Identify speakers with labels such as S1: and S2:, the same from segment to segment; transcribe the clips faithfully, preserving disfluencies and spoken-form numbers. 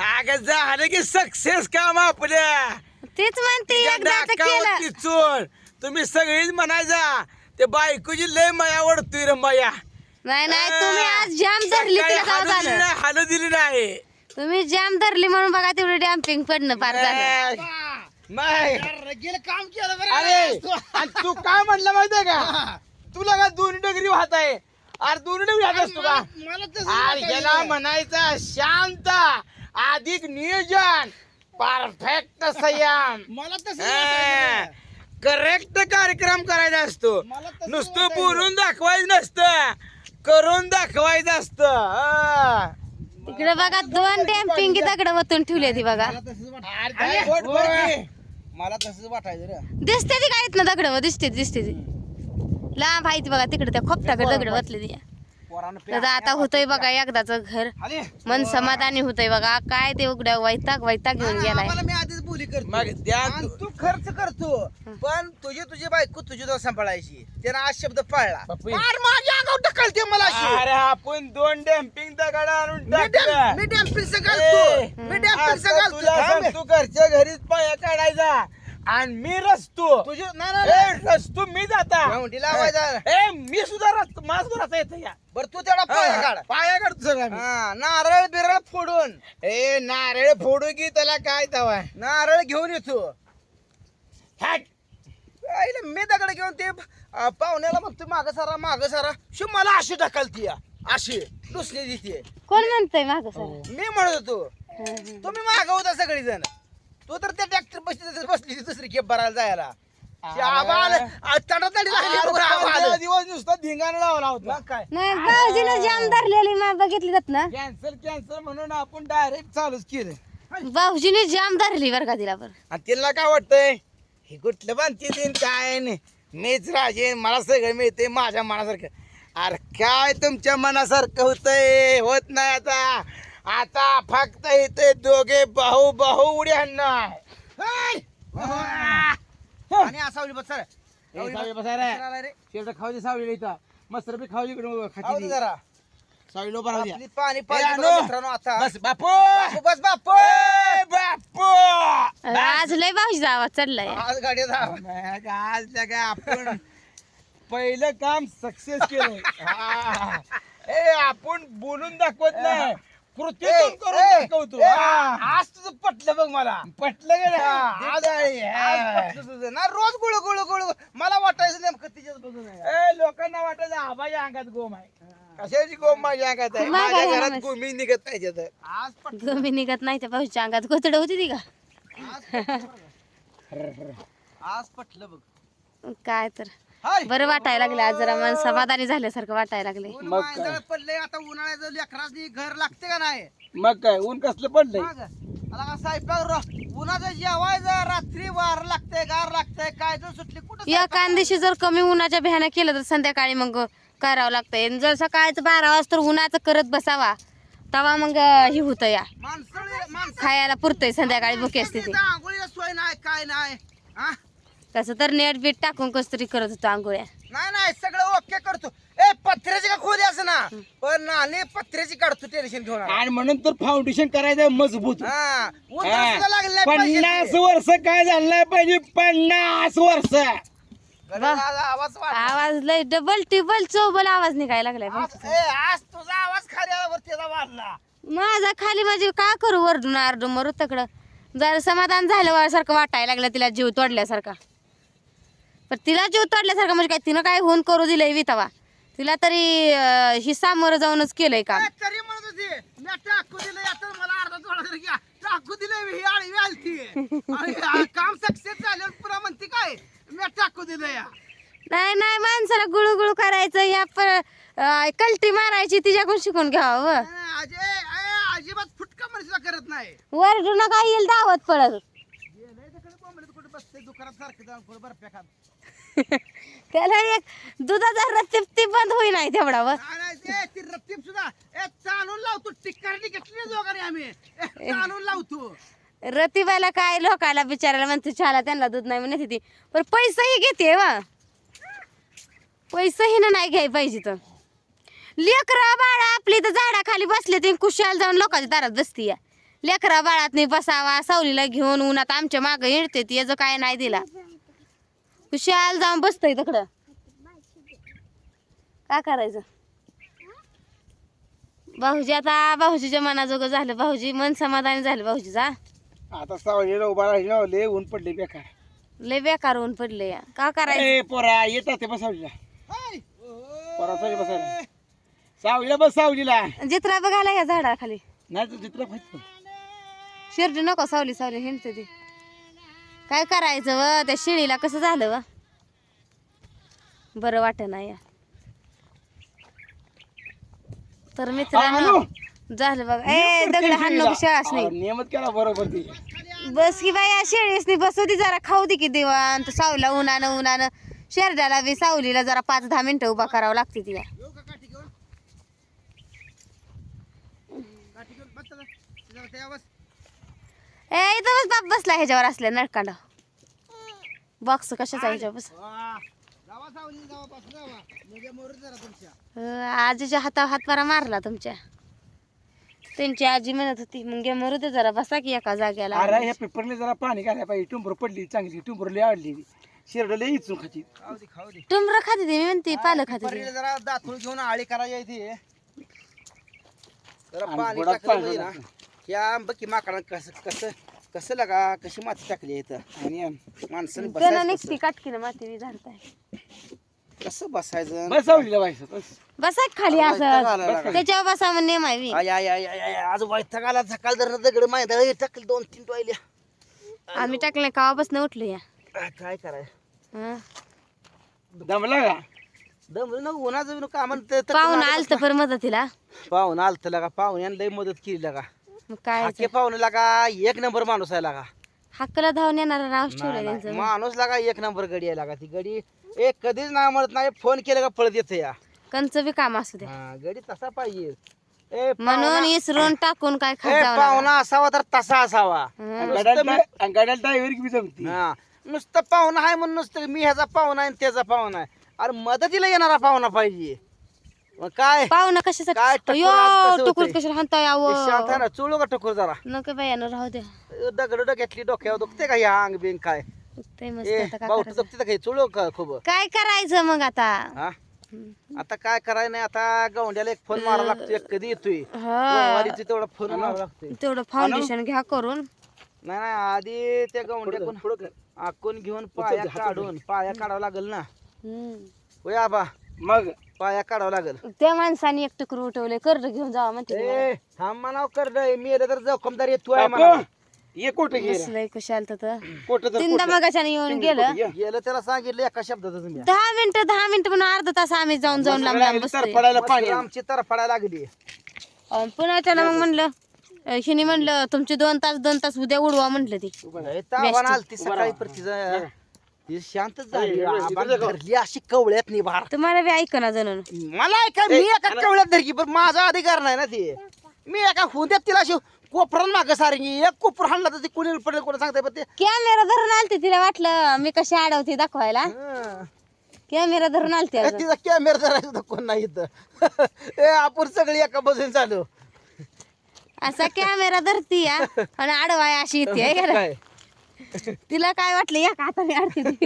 S1: अगं झालं की सक्सेस काम आपल्या
S2: तेच म्हणते एकदाच केलं
S1: टिचून तुम्ही सगळीच म्हणायचा ते बायकोची लय माया वाढतोय रे माया.
S2: नाही नाही तुम्ही आज जाम धरली तिला गाव झालं
S1: हाल दिली नाही
S2: तुम्ही जाम धरली म्हणून बघा तेवढी डॅम्पिंग पडणं पार झालं.
S1: नाही
S3: गेलं काम केलं बरं.
S1: अरे आणि तू काय म्हणलं माहितीये का तुला का दोन्ही डगरी वाहत आहे अरे दोन्ही डगरी वाहत असतो का
S3: मला तसं
S1: अरे
S3: वाटायचं.
S1: याला म्हणायचं शांत अधिक नियोजन परफेक्ट संयम
S3: मला तसं वाटायचं.
S1: करेक्ट कार्यक्रम करायचा असतो
S3: मला तसं
S1: नुसतं
S3: वाटायचं.
S1: बोलून दाखवायचं नसतं करून दाखवायचं असतं.
S2: तिकडे बघा दोन डॅम्पिंग दगड वतून ठेवली ती बघा
S3: मला तसंच वाटायचं.
S1: अरे काय बोट वर की.
S3: मला तसंच वाटायचं रे.
S2: दिसते ती काय ना दगड दिसते दिसते ती लांब आहे ती बघा तिकडे त्या खोपटाकडे दगड वतले ती
S3: पोरानं
S2: तर आता होतंय बघा एकदाच घर
S3: आले.
S2: मन समाधानी होतंय बघा काय ते उघड्या वैताग वैताग घेऊन गेलाय
S3: आम्हाला मी आधीच बोली करतो
S1: मग त्या
S3: आणि तू खर्च करतो पण तुझी तुझी बायको तुझी तो सांभाळायची त्यानं आज शब्द पाळला
S1: पप्पी.
S3: मार माझ्या अंगावर ढकलते मला अशी.
S1: अरे आपण दोन डॅम्पिंग दगड आणून
S3: मी डॅम-
S1: टाकलं.
S3: मी डॅम्पिंग
S1: ए,
S3: घालतो मी डॅम्पिंग
S1: आता
S3: घालतो
S1: तुला
S3: थांब.
S1: सांगतो घरच्या घरीच पाया काढायचा आणि मी रचतो
S3: तुझी नाही नाही, नाही
S1: ए, रचतो मी जाता
S3: गावंडी लावायचा.
S1: ए मी सुद्धा रचतो माझ रचा येतं या
S3: बरं तू तेवढा पाया काढ
S1: पाया काढतो सगळं मी.
S3: हा, नारळ बिरळ फोडून
S1: ए नारळ फोडू की त्याला काय तवा
S3: नारळ घेऊन येतो
S1: हॅट.
S3: आईला मी दगड घेऊन ते अं, पाहुण्याला म्हणतो माग सारा माग सारा शो मला अशी ढकलती या. अशी दुसरी दिसते
S2: कोण म्हणतंय माग सर
S3: मी म्हणत होतो तुम्ही माग होता सगळी जण तू तर त्या ट्रॅक्टर बसली बसली दुसरी खेप भरायला जायला ते आबा आलं, आ, तडातडी लागली
S1: अरे,
S3: बघ, आबा आलं.
S1: पंधरा दिवस नुसता धिंगाणा लावला होता
S3: मग काय
S2: नाही भाऊजीनं जाम धरलेली मा बघितली जात ना
S1: कॅन्सल कॅन्सल म्हणून आपण डायरेक्ट चालूच केलं
S2: भाऊजीने जाम धरली बरं का तिला बरं
S1: आणि तिला काय वाटतंय हे कुठलं बांधते देईन काय नाही मीच राजे मला सगळं मिळते माझ्या मनासारखं अरे काय तुमच्या मनासारखं होतंय होत नाही आता आता फक्त इथे दोघे भाऊ भाऊ उडी आणणार
S3: आणि असावली बस सर
S1: सावली बसा रे शेवट खाऊ दे सावलीला इथं मस्त बी खाऊ दे खाती
S3: जरा
S1: सावलीला उभा राहू द्या.
S3: आपली पाणी
S1: ए,
S3: पाहिजे
S1: आणू.
S3: बघा मित्रांनो आता
S1: बस बापू
S3: बापू, बस बापू
S1: ए, बापू
S2: आज लय भाऊजीचा आवाज चढलाय
S3: आज गाडी जा
S1: मग आज लगा आपण पहिलं काम सक्सेस केलं हा. ए आपण बोलून दाखवत नाही कृतीतून करून दाखवतो हा.
S3: आज तुझं पटलं बघ मला
S1: पटलं गेलं
S3: आज आज पटलं तुझं ना रोज गुळ गुळ गुळ मला वाटायचं नेमकं तिच्याच बघून आहे.
S1: ए लोकांना वाटायचं आबाच्या अंगात गोम आहे कशाची गोम माझ्या अंगात आहे
S2: मागं
S1: माझ्या
S2: आहे
S1: घरात
S2: ना.
S1: गोमी निघत पाहिजे तर
S3: आज पटलं
S2: गमी निघत नाही त्या भाऊजीच्या अंगात गोतड होती ती का
S3: आज पटलं बघ. आज पटलं बघ
S2: काय तर
S3: हाय.
S2: बरं वाटायला लागले आज जरा मन समाधानी झाल्यासारखं वाटायला लागले
S3: ऊन
S1: मग काय?
S3: मांजळ पडले आता उन्हाळ्याचं लेकरासनी घर लागते का नाही
S1: मग काय ऊन कसलं पडलंय
S3: मग आता का स्वयंपाक र- उन्हाचं जेवायचं रात्री वार लागतंय गार लागतंय काय तर सुटली कुठं
S2: या कांदेशी जर कमी उन्हाच्या भ्यानं केलं तर संध्याकाळी मग करावं लागतंय आणि जर सकाळचं बारा वाजता उन्हाचं करत बसावा तवा मग हे होतं या
S3: माणसं माणसं
S2: खायला पुरतंय संध्याकाळी भुके असते ते
S3: आंघोळीला सोय नाही काय नाही हा?
S2: तसं तर नेट बीट टाकून कस तरी करत होतो आंघोळ्या
S3: नाही नाही सगळं ओके करतो ए पत्र्याची का खोली असं ना पण नाली पत्र्याची काढतो टेन्शन घेऊन आला.
S1: आणि म्हणून तर फाउंडेशन करायचं मजबूत
S3: हा ऊन तर
S1: हा.
S3: सुद्धा लागलं नाही पाहिजे
S1: पन्नास
S3: ते.
S1: वर्ष काय झालं नाही पाहिजे पन्नास वर्ष
S3: गड्याला आवाज वाढला.
S2: आवाज लय डबल टिबल चौबल आवाज निघायला लागलाय
S3: आज- ए, आज तुझा आवाज खाली त्याचा वाढला
S2: माझा खाली माझी काय करू वरडून आरडून मरू तकडं जरा समाधान झालं सारखं वाटायला लागलं तिला जीव तोडल्यासारखा पण तिला जीव तोडल्यासारखं म्हणजे काय तिनं काय होऊन करू दिलंय वितावा तिला तरी अं, ही सामोरं जाऊनच केलंय काम
S3: ए, तरी म्हणत होती मी टाकू दिलं आता मला अर्धा थोडा तरी घ्या टाकू दिलंय ही आळी आलती आणि हा काम सक्सेस झाल्यावर पुन्हा म्हणते काय मी टाकू दिलं या
S2: नाही नाही माणसाला गुळू गुळू करायचं या प अं, कलटी मारायची तिच्याकडून शिकून घ्यावं व.
S3: अजय ए, अजिबात फुटका मनुष्य करत नाही
S2: वरडून काय येईल दावत पडत
S3: गेलंय तिकडे बोंबलत कुठे बसते दुकानात सारखं जाऊन कुठे बर्फ्या खात
S2: त्याला एक दुधाचा रत्तीप ती बंद होई नाही तेवढा वर
S3: नाही, नाही, ते ती रत्तीप सुद्धा ए चालून लावतो टिक्कारणी घेतली दोघांनी आम्ही ए, चालून लावतो
S2: रतिबाला काय लोकाला बिचारायला म्हणते चहाला त्यांना दूध नाही म्हणते ती पण पैसाही घेते वा पैसाही ना नाही घ्याय पाहिजे तर लेकरं बाळा आपली तर झाडाखाली बसले ते कुशाल जाऊन लोकांच्या दारात बसती या लेकरा बाळात नाही बसावा सावलीला घेऊन उन्हात आमच्या मागं हिंडते ती याचं काय नाही दिला खुशाल जाऊन बसतय तिकडं काय करायचं भाऊजी आता भाऊजीच्या मनाजोगं झालं भाऊजी मन समाधानी झालं भाऊजीचा
S1: आता सावलीला उभा राहिला लय ऊन पडले बेकार
S2: लय बेकार ऊन पडले या का करायचं
S1: ए पोरा येतात ते बसावलीला पोरा सावली बसायला सावलीला बस सावलीला
S2: जित्रा बघायला या झाडाखाली
S1: नाही तर चित्र फायचं
S2: शिर्डी नको सावली सावली हिंडते ती काय करायचं व त्या शिळीला कसं झालं व बरं वाटत नाही या तर मित्रांनो झालं बघा ए दगड हाण नको शाळाच नाही
S1: नियमित केला बरोबर ती
S2: बस की बाई या शेळीस नाही बसू दे जरा खाऊ दे की दिवाण तर सावला उन्हानं उन्हानं शेरड्याला बी सावलीला जरा पाच दहा मिनिटं उभा करावं लागते तिला
S3: येऊ का काठी घेऊन काठी घेऊन बस चला. तिला त्या बस.
S2: ए इथं बस बाप बसला ह्याच्यावर असल्या नळकांड बॉक्स कशाचा ह्याच्यावर बस
S3: वा. जावा सावली जावा पासून जावा म्हणजे मोर जरा तुमच्या
S2: अं, आजीच्या हातावर हातवारा मारला तुमच्या त्यांची आजी म्हणत होती मग गे मरू दे जरा बसा की एका जाग्याला
S1: अरे ह्या पेपरने जरा पाणी घालायला पाहिजे टुंबर पडली चांगली टुंबर लय आवडली शिरड लय इचून खाती
S3: खाऊ दे खाऊ दे
S2: टुमरं खाते ती मी म्हणते पालं खाते ती.
S3: परीला जरा दातूळ घेऊन आळी करायची आहे ती जरा
S1: आणि
S3: पाणी
S1: बुडात
S3: टाकलं
S1: पाणी
S3: पाहिजे ना
S1: टाकलं.
S3: या बघ माकडा कसं कसं कसं लागा कशी माती टाकली आहे इथं आणि माणसाने
S2: त्याला
S3: बसायचं
S2: निघती काटकीनं माती झाडताय
S3: कसं? कसं बसायचं
S1: बस सावलीला बायचं बस
S2: बसा की खाली
S3: वैताग आला
S2: असं
S3: लागा.
S2: त्याच्यावर बसा म्हणून नेम आहे बी.
S3: आय आय आय आय आय, आज वैताग आला सकाळ धरणं दगड माहिती टाकले दोन तीन टोयल्या
S2: आम्ही टाकले कावापासून उठलो या
S3: आ, काय कराय
S2: हं.
S1: दमला का
S3: दमलं ना उन्हाचं बिन का म्हणते
S2: पाहुणं आलत पर मदतीला
S3: पाहुण आलत लागा पाहुण्यानं लय मदत केली लागा
S2: मग काय
S3: हाके पाहुणे लागा एक नंबर माणूस आहे लागा
S2: हक्कला धावून येणारा नाव ठेवलं
S3: नाही, नाही.
S2: त्यांचं
S3: माणूस लागा एक नंबर गडी आहे लागा ती गडी एक कधीच नाही म्हणत नाही फोन केला का पळत येते या
S2: कंच बी काम असू दे
S3: हा, गडी तसा पाहिजे ए
S2: म्हणून इसरून टाकून काय खात
S3: ए,
S2: जाऊ नका.
S3: पाहुणा असावा तर तसा असावा
S2: हं.
S1: गाड्याला ड्रायव्हर की जमती
S3: हा नुसतं पाहुणा आहे म्हणून नुसतं मी ह्याचा पाहुणा आहे आणि त्याचा पाहुणा आहे अरे मदतीला येणारा पाहुणा पाहिजे मग काय
S2: पाहुणा
S3: काय
S2: कशासाठी
S3: टकोर
S2: यो
S3: आज कसं
S2: टुकुर
S3: होतंय?
S2: कशाला हाणता
S3: ते
S2: यावं
S3: शांत आहे ना चुळू का टकोर जरा
S2: नको बाई यानं राहू द्या
S3: दगड डोक्यातली डोक्यावर दुखते का ह्या अंग बिंग काय
S2: ते मस्त
S3: ए
S2: आता काय
S3: भाऊ
S2: करायचं
S3: दुखते का चुळू का खूप
S2: काय करायचं मग आता
S3: हा आता काय करायचं नाही आता गवंड्याला एक फोन मारावा लागतो एक कधी येतोय
S2: हा
S3: वारीचं तेवढा फोन मारावा लागतोय
S2: तेवढं फाउंडेशन घ्या करून
S3: नाही नाही आधी त्या गवंड्याकडून आकून घेऊन पाया काढून पाया काढावं लागेल ना
S2: हम्म.
S3: होय आबा
S1: मग
S3: पाया काढावं लागेल
S2: त्या माणसाने एक टुकर उठवले कर्ज घेऊन जावा म्हणते मी.
S3: ए थांब म्हणाव कर मेलं तर जोखमदार येतो आहे म्हणा
S1: ये कोट गेलं
S2: बसलंय कुशाल तर
S1: कोट तर
S2: तीनदा मगाच्याने येऊन गेलं
S3: गेलं त्याला सांगितलं एका शब्दातच मी
S2: दहा मिनिटं दहा मिनिटं म्हणून अर्धा तास आम्ही जाऊन जाऊन लांब लांब बसतोय
S1: पडायला पाणी
S3: मस्त आमची तर पडायला लागली
S2: अं, पुन्हा त्याला मग म्हणलं अं, हिने म्हणलं तुमचे दोन तास दोन तास उद्या उडवा म्हटलं ती
S3: लय तावान आलती सकाळी पर तिचं ती शांतच झाली आबा धरली अशी कवळ्यात निभार
S2: तुम्हाला बी ऐकना जणून
S3: मला काय मी एका कवळ्यात धरकी पण माझा अधिकार नाही ना ते मी एका हुंद्यात तिला अशी कोपरान मागं सारंगी एक कोपर हाणला तर ती कुणी पडेल कोणा सांगताय पण ते
S2: कॅमेरा धरून आलते तिला वाटलं मी कशी अडवते दाखवायला
S3: हं.
S2: कॅमेरा धरून आलते
S3: ए,
S2: अजून.
S3: तिचा कॅमेरा धरायचा कोण नाही इथं ए आपण सगळी एका बसून चालू
S2: असा कॅमेरा धरती या आणि अडवाय अशी येते है का नाही?
S3: काय
S2: तिला काय वाटलं या का आता मी अडते ती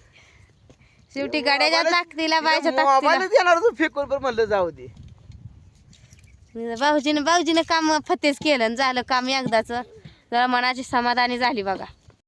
S2: शेवटी गाड्याच्या ताकदीला बायच्या
S3: मोबाईल
S2: ताकदीला
S3: देणार तू फेकून पण म्हणलं जाऊ दे
S2: भाऊजीने भाऊजीने काम फतेच केलं आणि झालं काम एकदाच जरा मनाची समाधानी झाली बघा